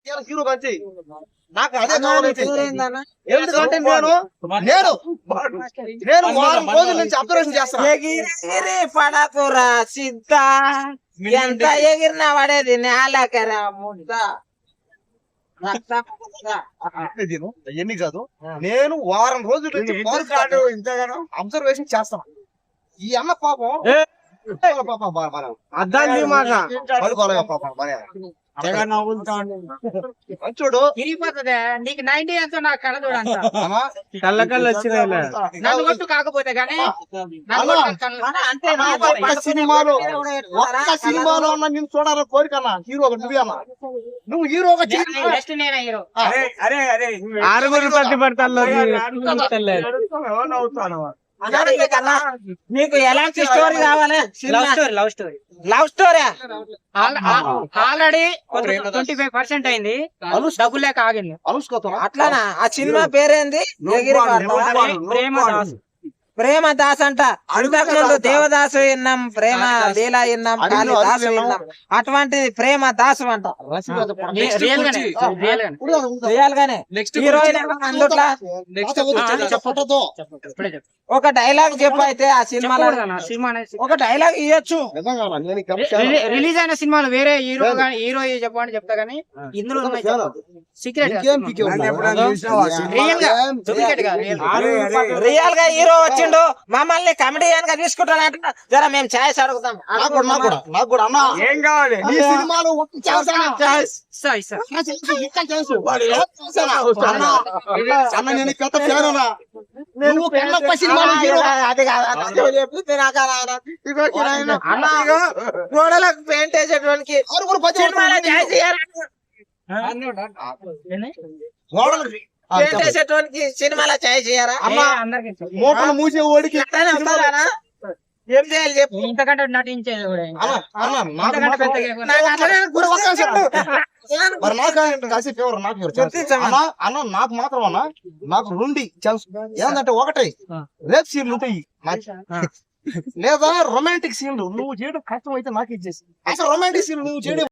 Hero మంచి నాకు అదే కావాలైతే ఎందుకంటే నేను నేను నేను వారం రోజుల నుంచి అబ్జర్వేషన్ చేస్తాను. ఎగిరి పడకురా సిద్ధ ఎంత ఎగిరినా పడేది నేలకరా ముద్ద. ఎన్ని కాదు, నేను వారం రోజుల నుంచి అబ్జర్వేషన్ చేస్తాను. ఈ అన్న పాపం చూడు ఇరిగిపోతుంది. నీకు 90 ఎంతో నాకు కళ చూడంత కళ్ళ వచ్చినాయి నన్ను కొట్టు కాకపోతే గానీ ఒక్క సినిమాలో అన్న నేను చూడాలని కోరికన్నా. హీరో నువ్వే అన్న, నువ్వు హీరోగా నెక్స్ట్ నేనే హీరో. ఆరుగురు ప్రతి పడతాను. మీకు ఎలాంటి స్టోరీ కావాలి? Love story love story already 25% అయింది, డబ్బులు లేక ఆగింది. అట్లానా? ఆ సినిమా పేరేంది? ప్రేమ దాస్ అంట. అంతకుముందు దేవదాసు విన్నాం, ప్రేమ లీలా విన్నాం, కాళిదాసు విన్నాం. అటువంటిది ప్రేమ దాసు అంట. రియల్ గానే హీరోయిన్ అందుట్లో ఒక డైలాగ్ చెప్పు. అయితే ఆ సినిమాలో ఒక డైలాగ్ ఇవ్వచ్చు. రిలీజ్ అయిన సినిమాలు వేరే హీరో హీరో చెప్పని చెప్తా గానీ ఇందులో సీక్రెట్ రియల్ గా హీరో వచ్చిండు, మమ్మల్ని కమెడియన్ గా తీసుకుంటానంట. జర మేము ఛాయిస్ అడుగుతాం. ఏం కావాలి ఈ సినిమాలో? నేను పెద్ద ఫ్యానునా. గోడలకు పెయింట్ వేసేటువంటి పెయింట్ వేసేటువంటి సినిమాలో ఛాయిస్ చేయరా? మోటార్లు మూసే ఓడికి ఏం చేయాలి చెప్పు. ఇంతకంటే నటించేది కూడా నాకు మాత్రం అన్న, నాకు రెండు ఛాన్స్ ఏంటంటే, ఒకటి రేప్ సీన్లు ఉంటాయి లేదా రొమాంటిక్ సీన్లు నువ్వు చేయడం కష్టం అయితే నాకు ఇచ్చేసి. అసలు రొమాంటిక్ సీన్లు నువ్వు చేయడం